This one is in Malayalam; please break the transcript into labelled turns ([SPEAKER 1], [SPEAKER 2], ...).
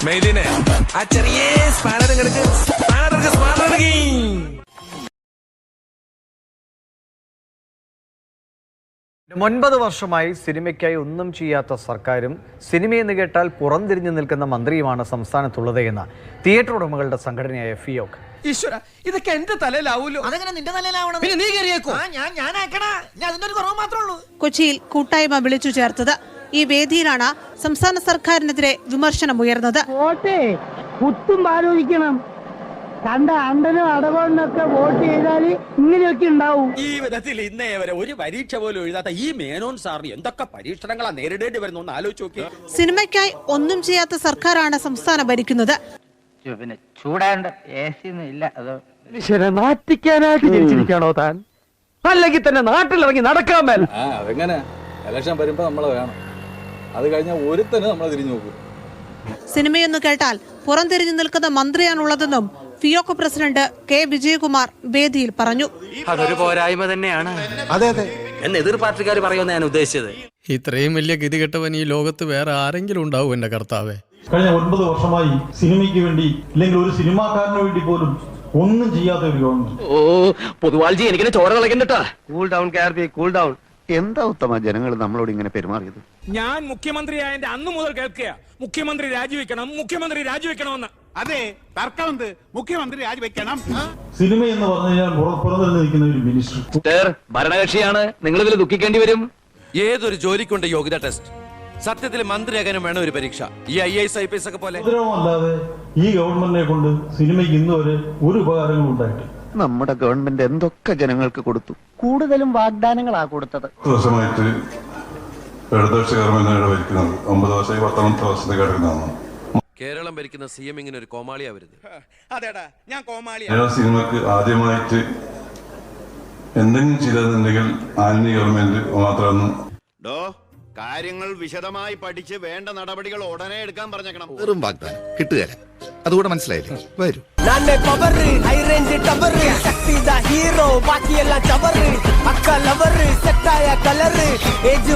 [SPEAKER 1] മെയ്ദിനെ ആ ചെറിയ സ്പാനർ കിടക്ക് സ്പാനർ
[SPEAKER 2] 9 വർഷമായി സിനിമയ്ക്കായി ഒന്നും ചെയ്യാത്ത സർക്കാരും സിനിമയെന്ന് കേട്ടാൽ പുറംതിരിഞ്ഞു നിൽക്കുന്ന മന്ത്രിയുമാണ് സംസ്ഥാനത്തുള്ളത് എന്ന് തിയേറ്റർ ഉടമകളുടെ സംഘടനയായ ഫിയോക്.
[SPEAKER 3] ഈശ്വര, ഇതൊക്കെ എന്റെ തലയിലാവൂലോ?
[SPEAKER 4] അതെങ്ങനെ നിന്റെ തലയിലാവണം?
[SPEAKER 3] പിന്നെ നീ കയറിയേക്കോ?
[SPEAKER 5] കൊച്ചിയിൽ കൂട്ടായ്മ വിളിച്ചു ചേർത്തത്. ഈ വേദിയിലാണ് സംസ്ഥാന സർക്കാരിനെതിരെ വിമർശനമുയർന്നത്.
[SPEAKER 6] വോട്ടേ കുത്തും ആലോചിക്കണം. കണ്ട അണ്ടനും അടവണ്ണൊക്കെ വോട്ട് ചെയ്താൽ ഇങ്ങനെയൊക്കെ ഉണ്ടാവും.
[SPEAKER 7] ഈ വിധത്തിൽ ഇന്നേ വരെ ഒരു പരീക്ഷ പോലും എഴുതാത്ത ഈ മേനോൻ സാറിന് എന്തൊക്കെ പരീക്ഷണങ്ങളാ നേരിടേണ്ടി വരുന്നു എന്ന് ആലോചിച്ച് നോക്കി.
[SPEAKER 5] സിനിമയ്ക്കായി ഒന്നും ചെയ്യാത്ത സർക്കാരാണ് സംസ്ഥാനം ഭരിക്കുന്നത്.
[SPEAKER 6] പിന്നെ ചൂടാണ്ട് ഇല്ല. അതോ നാട്ടിക്കാനായിട്ട് ജനിച്ചിരിക്കാണോ താൻ? അല്ലെങ്കിൽ തന്നെ നാട്ടിലിറങ്ങി നടക്കാൻ മേൽ.
[SPEAKER 8] അതെങ്ങനെ ഇലക്ഷൻ വരുമ്പോ നമ്മളെ വേണം, അത് കഴിഞ്ഞാൽ ഒരുത്തന്നെ നമ്മളെ തിരിഞ്ഞു നോക്കും.
[SPEAKER 5] സിനിമയെന്ന് കേട്ടാൽ പുറംതിരിഞ്ഞു നിൽക്കുന്ന മന്ത്രിയാണുള്ളതെന്നും ഫിയോക് പ്രസിഡന്റ് കെ വിജയകുമാർ വേദിയിൽ പറഞ്ഞു.
[SPEAKER 7] അതൊരു പോരായ്മ തന്നെയാണ്.
[SPEAKER 8] അതെ അതെ
[SPEAKER 7] എന്ന് എതിർ പാർട്ടിക്കാർ പറയുമെന്ന് ഞാൻ ഉദ്ദേശിച്ചത്.
[SPEAKER 9] ഇത്രയും വലിയ ഗതികെട്ടവൻ ഈ ലോകത്ത് വേറെ ആരെങ്കിലും ഉണ്ടാവും എന്റെ കർത്താവേ.
[SPEAKER 10] കഴിഞ്ഞ 9 വർഷമായി സിനിമയ്ക്ക് വേണ്ടി അല്ലെങ്കിൽ ഒരു സിനിമാക്കാരന് വേണ്ടി പോലും ഒന്നും ചെയ്യാത്ത ഒരു ഗവൺമെന്റ്.
[SPEAKER 7] പൊതുവാൾജി എനിക്കിനെ ചോര കളക്കണ്ടട്ടാ.
[SPEAKER 3] കൂൾ ഡൗൺ കാർബി, കൂൾ ഡൗൺ.
[SPEAKER 4] എന്താ ഉത്തമ ജനങ്ങൾ നമ്മളോട് ഇങ്ങനെ പെരുമാറിയത്?
[SPEAKER 1] ഞാൻ മുഖ്യമന്ത്രിയായതിന്റെ അന്ന് മുതൽ കേൾക്കുക മുഖ്യമന്ത്രി രാജിവെക്കണമെന്ന്.
[SPEAKER 8] അതെ, തർക്കമുണ്ട്. മുഖ്യമന്ത്രി രാജിവെക്കണം.
[SPEAKER 10] സിനിമ എന്ന് പറഞ്ഞു കഴിഞ്ഞാൽ പുറത്തുനിന്ന് നിൽക്കുന്ന ഒരു മിനിസ്റ്റർ
[SPEAKER 7] ഭരണകക്ഷിയാണ്, നിങ്ങൾ ഇതിൽ ദുഃഖിക്കേണ്ടി വരും.
[SPEAKER 1] ഏതൊരു ജോലിക്കുണ്ട് യോഗ്യത ടെസ്റ്റ്. സത്യത്തിൽ മന്ത്രിയാകാനും വേണം ഒരു പരീക്ഷ. ഈ IAS IPS ഒക്കെ പോലെ.
[SPEAKER 10] അല്ലാതെ ഈ ഗവൺമെന്റിനെ കൊണ്ട് സിനിമയ്ക്ക് ഇന്ന് വരെ ഒരു ഉപകാരങ്ങളും ഉണ്ടായിട്ടില്ല.
[SPEAKER 4] നമ്മുടെ ഗവൺമെന്റ് എന്തൊക്കെ ജനങ്ങൾക്ക് കൊടുത്തു.
[SPEAKER 6] കൂടുതലും വാഗ്ദാനങ്ങളാ കൊടുത്തത്.
[SPEAKER 11] ദിവസമായിട്ട് ഇടതുപക്ഷ ഗവൺമെന്റാണ് ഭരിക്കുന്നത്. 9 വർഷമായി 10ാമത്തെ വർഷത്തേക്ക് കിടക്കുന്നതാണ്.
[SPEAKER 1] കേരളം ഭരിക്കുന്ന CM ഇങ്ങനെ ഒരു കോമാളിയാ വരുന്നത്.
[SPEAKER 7] അതെടാ, ഞാൻ കോമാളി.
[SPEAKER 11] സിനിമക്ക് ആദ്യമായിട്ട് എന്തെങ്കിലും ചെയ്തതെന്നുണ്ടെങ്കിൽ ആന്റണി ഗവൺമെന്റ് മാത്രമാണ്.
[SPEAKER 4] കാര്യങ്ങൾ വിശദമായി പഠിച്ച് വേണ്ട നടപടികൾ ഉടനെ എടുക്കാൻ പറഞ്ഞേക്കണം.
[SPEAKER 8] വെറും വാഗ്ദാനം കിട്ടുകയില്ല. അതുകൂടെ മനസ്സിലായില്ലേ? വരൂ.
[SPEAKER 3] ഹീറോ ബാക്കിയെല്ലാം ചവറ്, അക്ക ലവറ്, സെറ്റായ കളറ്.